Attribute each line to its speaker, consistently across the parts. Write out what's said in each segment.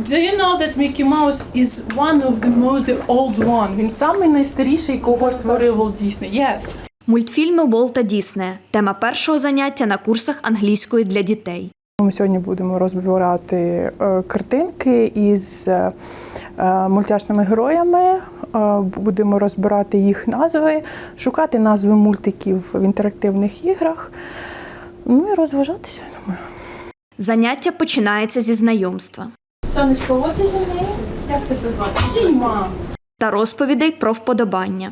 Speaker 1: Do you know that Mickey Mouse is one of the old one? Він самий найстаріший, кого створив Walt Disney. Yes.
Speaker 2: Мультфільми Волта Діснея – тема першого заняття на курсах англійської для дітей.
Speaker 1: Ми сьогодні будемо розбирати картинки із мультяшними героями, будемо розбирати їх назви, шукати назви мультиків в інтерактивних іграх, ну і розважатися, я думаю.
Speaker 2: Заняття починається зі знайомства.
Speaker 1: Сонечко, what is your name? Як тебе звати? Діма.
Speaker 2: Та розповідей про вподобання.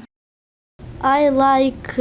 Speaker 3: I like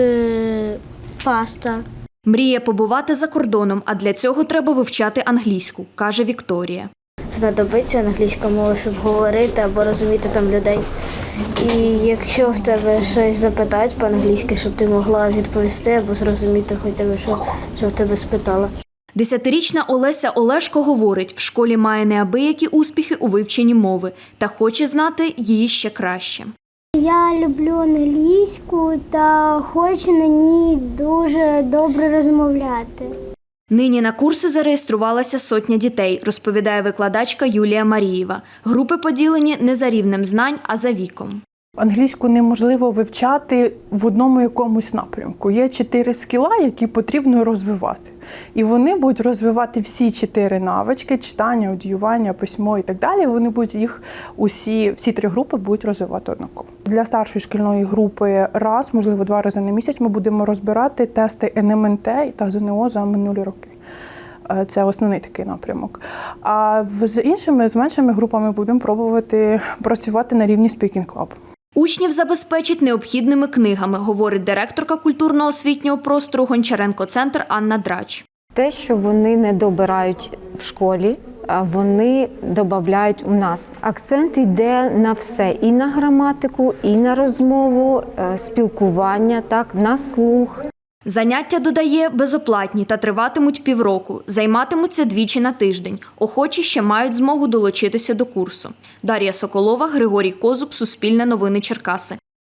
Speaker 3: pasta.
Speaker 2: Мріє побувати за кордоном, а для цього треба вивчати англійську, каже Вікторія.
Speaker 3: Знадобиться англійська мова, щоб говорити або розуміти там людей. І якщо в тебе щось запитають по-англійськи, щоб ти могла відповісти або зрозуміти хоча б, що в тебе спитала.
Speaker 2: 10-річна Олеся Олешко говорить, в школі має неабиякі успіхи у вивченні мови та хоче знати її ще краще.
Speaker 4: Я люблю англійську та хочу на ній дуже добре розмовляти.
Speaker 2: Нині на курси зареєструвалася сотня дітей, розповідає викладачка Юлія Марієва. Групи поділені не за рівнем знань, а за віком.
Speaker 1: Англійську неможливо вивчати в одному якомусь напрямку. Є 4 скіла, які потрібно розвивати. І вони будуть розвивати всі 4 навички – читання, аудіювання, письмо і так далі. Вони будуть їх всі 3 групи будуть розвивати однаково. Для старшої шкільної групи раз, можливо, 2 рази на місяць ми будемо розбирати тести НМНТ та ЗНО за минулі роки. Це основний такий напрямок. А з меншими групами будемо пробувати працювати на рівні Speaking Club.
Speaker 2: Учнів забезпечить необхідними книгами, говорить директорка культурно-освітнього простору Гончаренко-центр Анна Драч.
Speaker 5: Те, що вони не добирають в школі, вони додають у нас. Акцент йде на все, і на граматику, і на розмову, спілкування, так, на слух.
Speaker 2: Заняття, додає, безоплатні та триватимуть півроку. Займатимуться двічі на тиждень. Охочі ще мають змогу долучитися до курсу. Дар'я Соколова, Григорій Козуб, Суспільне новини Черкаси.